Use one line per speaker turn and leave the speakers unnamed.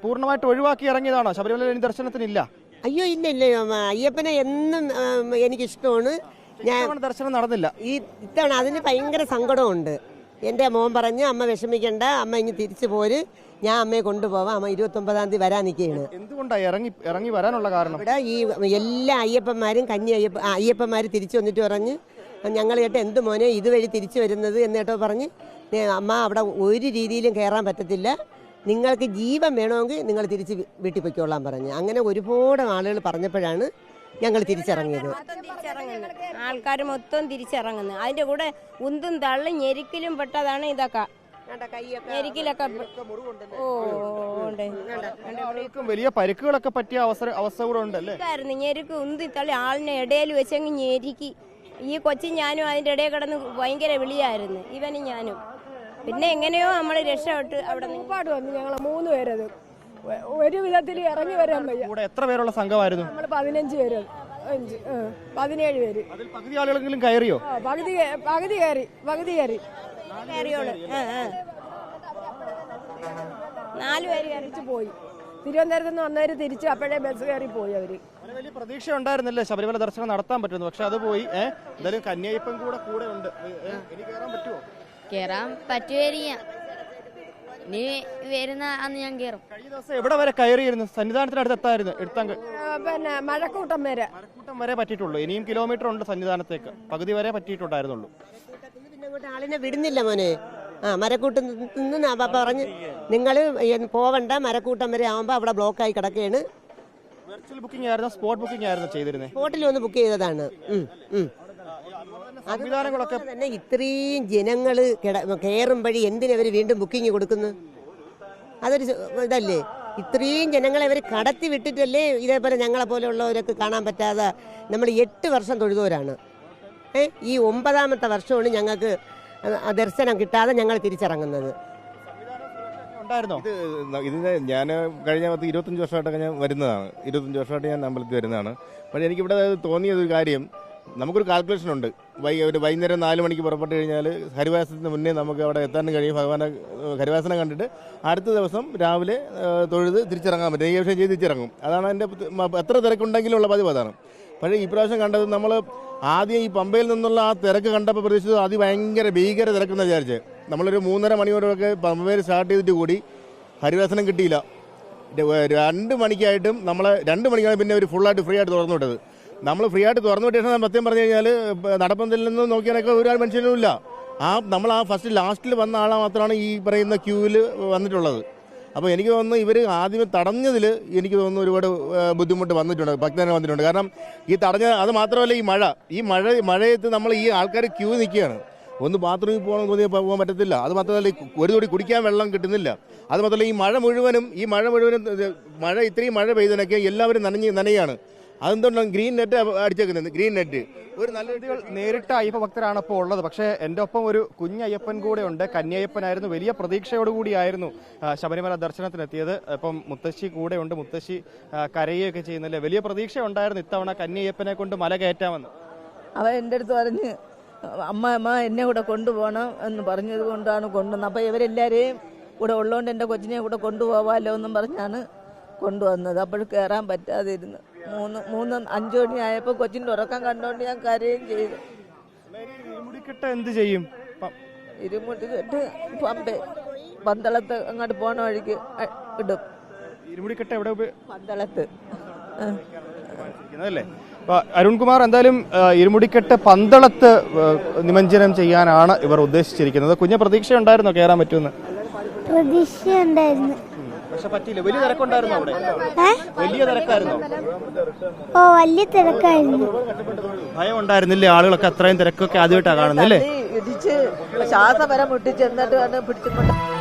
പൂർണ്ണമായിട്ട് ഒഴിവാക്കി ഇറങ്ങിയതാണോ? ശബരിമല ദർശനത്തിനില്ല?
അയ്യോ ഇല്ല ഇല്ല, അയ്യപ്പനെ എന്നും എനിക്കിഷ്ടമാണ്. ഞാൻ
ദർശനം നടന്നില്ല
ഈ ഇത്തവണ. അതിന് ഭയങ്കര സങ്കടമുണ്ട്. എൻ്റെ മോൻ പറഞ്ഞ് അമ്മ വിഷമിക്കണ്ട, അമ്മ ഇനി തിരിച്ചു പോര്, ഞാൻ അമ്മയെ കൊണ്ടുപോവാം, അമ്മ 29-ാം തീയതി വരാൻ നിൽക്കുകയാണ്.
എന്തുകൊണ്ടാണ് ഇറങ്ങി വരാനുള്ള കാരണം?
ഇവിടെ ഈ എല്ലാ അയ്യപ്പന്മാരും അയ്യപ്പന്മാർ തിരിച്ചു വന്നിട്ട് പറഞ്ഞ് ഞങ്ങൾ കേട്ടോ എന്ത് മോനെ ഇതുവഴി തിരിച്ചു വരുന്നത് എന്നേട്ടോ പറഞ്ഞ് അമ്മ അവിടെ ഒരു രീതിയിലും കയറാൻ പറ്റത്തില്ല, നിങ്ങൾക്ക് ജീവൻ വേണമെങ്കിൽ നിങ്ങൾ തിരിച്ച് വീട്ടിൽ പൊയ്ക്കോളാൻ പറഞ്ഞ്. അങ്ങനെ ഒരുപാട് ആളുകൾ പറഞ്ഞപ്പോഴാണ് ഞങ്ങൾ തിരിച്ചിറങ്ങിയത്.
ആൾക്കാർ മൊത്തം തിരിച്ചിറങ്ങുന്നു. അതിന്റെ കൂടെ ഉന്തും തള്ളും ഞെരിക്കലും പെട്ടതാണ് ഇതൊക്കെ. ഞെരിക്കലൊക്കെ
വലിയ പരിക്കുകളൊക്കെ പറ്റിയ അവസ്ഥ കൂടെ ഉണ്ടല്ലേ?
ഞെരുക്ക് ഉന്തി തള്ളി ആളിനെ ഇടയിൽ വെച്ചങ്ങ് ഞെരുക്കി. ഈ കൊച്ചും ഞാനും അതിന്റെ ഇടയിൽ കിടന്ന് ഭയങ്കര വിളിയായിരുന്നു, ഇവനും ഞാനും. പിന്നെ എങ്ങനെയോ നമ്മൾ രക്ഷപ്പെട്ട് അവിടെ
ഒരുപാട് വന്നു. ഞങ്ങൾ 3 പേരത് ഒരു വിധത്തിൽ ഇറങ്ങി വരാൻ വയ്യ.
എത്ര പേരുള്ള സംഘമായിരുന്നു?
നമ്മൾ 15 പേര്, 17 പേര്.
പകുതി ആളുകളെങ്കിലും കയറിയോ?
പകുതി കയറി.
4 പേര്
തിരിച്ചു പോയി. തിരുവനന്തപുരത്ത് നിന്ന് വന്നവര് തിരിച്ച് അപ്പോഴേ ബസ് കയറി പോയി. അവര്
വലിയ പ്രതീക്ഷ ഉണ്ടായിരുന്നല്ലേ ശബരിമല ദർശനം നടത്താൻ പറ്റുന്നു, പക്ഷെ അത് പോയി. എന്തായാലും കന്യായപ്പൻ കൂടെ ഉണ്ട്. ഇനി കയറാൻ പറ്റുമോ?
കയറാൻ പറ്റുമായിരിക്കാം. ഇനി വരുന്ന അന്ന് ഞാൻ കയറും.
കഴിഞ്ഞ ദിവസം എവിടെ വരെ കയറിയിരുന്നു? സന്നിധാനത്തിനടുത്ത് എത്തായിരുന്നു.
പിന്നെ മഴക്കൂട്ടം
വരെ
പറ്റിയിട്ടുള്ളൂ. ഇനിയും കിലോമീറ്റർ ഉണ്ട് സന്നിധാനത്തേക്ക്. പകുതി വരെ പറ്റിയിട്ടുണ്ടായിരുന്നുള്ളൂ.
പിന്നെ അങ്ങോട്ട് ആളിനെ വിടുന്നില്ല മോനെ. മരക്കൂട്ടം നിന്ന് പറഞ്ഞ് നിങ്ങൾ പോവണ്ട, മരക്കൂട്ടം വരെ ആവുമ്പോ അവിടെ ബ്ലോക്കായി കിടക്കുകയാണ്.
വെർച്വൽ ബുക്കിംഗ് ആയിരുന്നു, സ്പോട്ട് ബുക്കിംഗ് ആയിരുന്നു ചെയ്തിരുന്നത്.
സ്പോട്ടിൽ വന്ന് ബുക്ക് ചെയ്തതാണ്.
സംവിധാനങ്ങളൊക്കെ
തന്നെ ഇത്രയും ജനങ്ങൾ കയറുമ്പഴി എന്തിനവർ വീണ്ടും ബുക്കിംഗ് കൊടുക്കുന്നു? അതൊരു ഇതല്ലേ? ഇത്രയും ജനങ്ങളെ അവർ കടത്തി വിട്ടിട്ടല്ലേ ഇതേപോലെ ഞങ്ങളെ പോലെയുള്ളവരൊക്കെ കാണാൻ പറ്റാതെ. നമ്മൾ 8 വർഷം തൊഴുതവരാണ്. ഈ 9ാമത്തെ വർഷമാണ് ഞങ്ങൾക്ക് ദർശനം കിട്ടാതെ ഞങ്ങൾ തിരിച്ചിറങ്ങുന്നത്.
ഇതിന് ഞാൻ കഴിഞ്ഞ 25 വർഷമായിട്ടൊക്കെ ഞാൻ വരുന്നതാണ്. 25 വർഷമായിട്ട് ഞാൻ അമ്പലത്തിൽ വരുന്നതാണ്. പക്ഷേ എനിക്കിവിടെ തോന്നിയൊരു കാര്യം, നമുക്കൊരു കാൽക്കുലേഷൻ ഉണ്ട്. വൈകുന്നേരം 4 മണിക്ക് പുറപ്പെട്ട് കഴിഞ്ഞാൽ ഹരിവാസത്തിന് മുന്നേ നമുക്ക് അവിടെ എത്താൻ കഴിയും. ഭഗവാനെ ഹരിവാസനം കണ്ടിട്ട് അടുത്ത ദിവസം രാവിലെ തൊഴുത് തിരിച്ചിറങ്ങാൻ പറ്റും. നെയ്യഭിഷേകം ചെയ്ത് തിരിച്ചിറങ്ങും. അതാണ് എൻ്റെ എത്ര തിരക്കുണ്ടെങ്കിലും ഉള്ള പതിവ് അതാണ്. പക്ഷേ ഈ പ്രാവശ്യം കണ്ടത് നമ്മൾ ആദ്യം ഈ പമ്പയിൽ നിന്നുള്ള ആ തിരക്ക് കണ്ടപ്പോൾ പ്രതീക്ഷിച്ചത് ഭീകര തിരക്കെന്ന് വിചാരിച്ച്. നമ്മളൊരു 3:30 മണിയോടൊക്കെ പമ്പയിൽ സ്റ്റാർട്ട് ചെയ്തിട്ട് കൂടി ഹരിവാസനം കിട്ടിയില്ല. 2 മണിക്കായിട്ടും 2 മണിക്കാണ് പിന്നെ ഒരു ഫുള്ളായിട്ട് ഫ്രീ ആയിട്ട് തുറന്നു വിട്ടത്. നമ്മൾ ഫ്രീ ആയിട്ട് തുറന്നു വിട്ട ശേഷം സത്യം പറഞ്ഞു കഴിഞ്ഞാൽ നടപ്പന്തൽ നിന്ന് നോക്കിയാലൊക്കെ ഒരു മനുഷ്യനും ഇല്ല. നമ്മൾ ഫസ്റ്റ് ലാസ്റ്റിൽ വന്ന ആളെ മാത്രമാണ് ഈ പറയുന്ന ക്യൂവിൽ വന്നിട്ടുള്ളത്. അപ്പോൾ എനിക്ക് തോന്നുന്നു ഇവർ ആദ്യമേ തടഞ്ഞതിൽ എനിക്ക് തോന്നുന്നു ഒരുപാട് ബുദ്ധിമുട്ട് വന്നിട്ടുണ്ട്, ഭക്തനെ വന്നിട്ടുണ്ട്. കാരണം ഈ അത് മാത്രമല്ല ഈ മഴയത്ത് നമ്മൾ ഈ ആൾക്കാർ ക്യൂ നിൽക്കുകയാണ്. ഒന്ന് ബാത്റൂമിൽ പോകണമെന്ന് തോന്നിയാൽ പോകാൻ പറ്റത്തില്ല. അത് മാത്രമല്ല ഒരു തുടി കുടിക്കാൻ വെള്ളം കിട്ടുന്നില്ല. അത് മാത്രമല്ല ഈ മഴ മുഴുവനും ഇത്രയും മഴ പെയ്തതിനൊക്കെ എല്ലാവരും നനയാണ്. അതെന്തുകൊണ്ടാണ് ഗ്രീൻ നെറ്റ് അടിച്ചേക്കുന്നത്? ഗ്രീൻ നെറ്റ് ഒരു നല്ല രീതികൾ
നേരിട്ട് അയ്യപ്പ ഭക്തരാണ് ഇപ്പോൾ ഉള്ളത്. പക്ഷേ എൻ്റെ ഒപ്പം ഒരു കുഞ്ഞയ്യപ്പൻ കൂടെ ഉണ്ട്. കന്യയ്യപ്പനായിരുന്നു. വലിയ പ്രതീക്ഷയോടുകൂടിയായിരുന്നു ശബരിമല ദർശനത്തിനെത്തിയത്. ഇപ്പം മുത്തശ്ശി കൂടെ ഉണ്ട്. മുത്തശ്ശി കരയുകയൊക്കെ ചെയ്യുന്നില്ലേ? വലിയ പ്രതീക്ഷ ഉണ്ടായിരുന്നു ഇത്തവണ കന്യയ്യപ്പനെ കൊണ്ട് മല കയറ്റാമെന്ന്.
അവൻ എൻ്റെ അടുത്ത് പറഞ്ഞ് അമ്മ എന്നെ കൂടെ കൊണ്ടുപോകണം എന്ന് പറഞ്ഞത് കൊണ്ടാണ് കൊണ്ടുവന്നത്. അപ്പോൾ ഇവരെല്ലാവരെയും കൂടെ ഉള്ളതുകൊണ്ട് എൻ്റെ കൊച്ചിനെ കൂടെ കൊണ്ടുപോകാമല്ലോ എന്നും പറഞ്ഞാണ് കൊണ്ടുവന്നത്. അപ്പോൾ കയറാൻ പറ്റാതിരുന്നു. 3-5 മണി ആയപ്പോൾ കൊച്ചിൻ്റെ ഉറക്കം കണ്ടുകൊണ്ട് ഞാൻ കരയും ചെയ്തു.
ഇരുമുടിക്കെട്ട് എന്ത് ചെയ്യും?
ഇരുമുടിക്കെട്ട് പന്തളത്ത് അങ്ങോട്ട് പോണ വഴിക്ക് ഇടും.
ഇരുമുടിക്കെട്ട് എവിടെ?
പന്തളത്ത്.
അല്ലേ? അരുൺകുമാർ, എന്തായാലും ഇരുമുടിക്കെട്ട് പന്തളത്ത് നിമഞ്ജനം ചെയ്യാനാണ് ഇവർ ഉദ്ദേശിച്ചിരിക്കുന്നത്. കുഞ്ഞ പ്രതീക്ഷ ഉണ്ടായിരുന്നോ കയറാൻ പറ്റുമെന്ന്?
പ്രതീക്ഷ ഉണ്ടായിരുന്നു,
പക്ഷെ പറ്റിയില്ല. വലിയ തിരക്കുണ്ടായിരുന്നു അവിടെ? വലിയ തിരക്കായിരുന്നു.
വലിയ തിരക്കായിരുന്നു.
ഭയം ഉണ്ടായിരുന്നില്ലേ? ആളുകളൊക്കെ അത്രയും തിരക്കൊക്കെ ആദ്യമായിട്ടാണ് കാണുന്നല്ലേ?
ഇടിച്ച് ശ്വാസം വരെ മുട്ടിച്ച് എന്നിട്ട് പിടിച്ചുകൊണ്ട്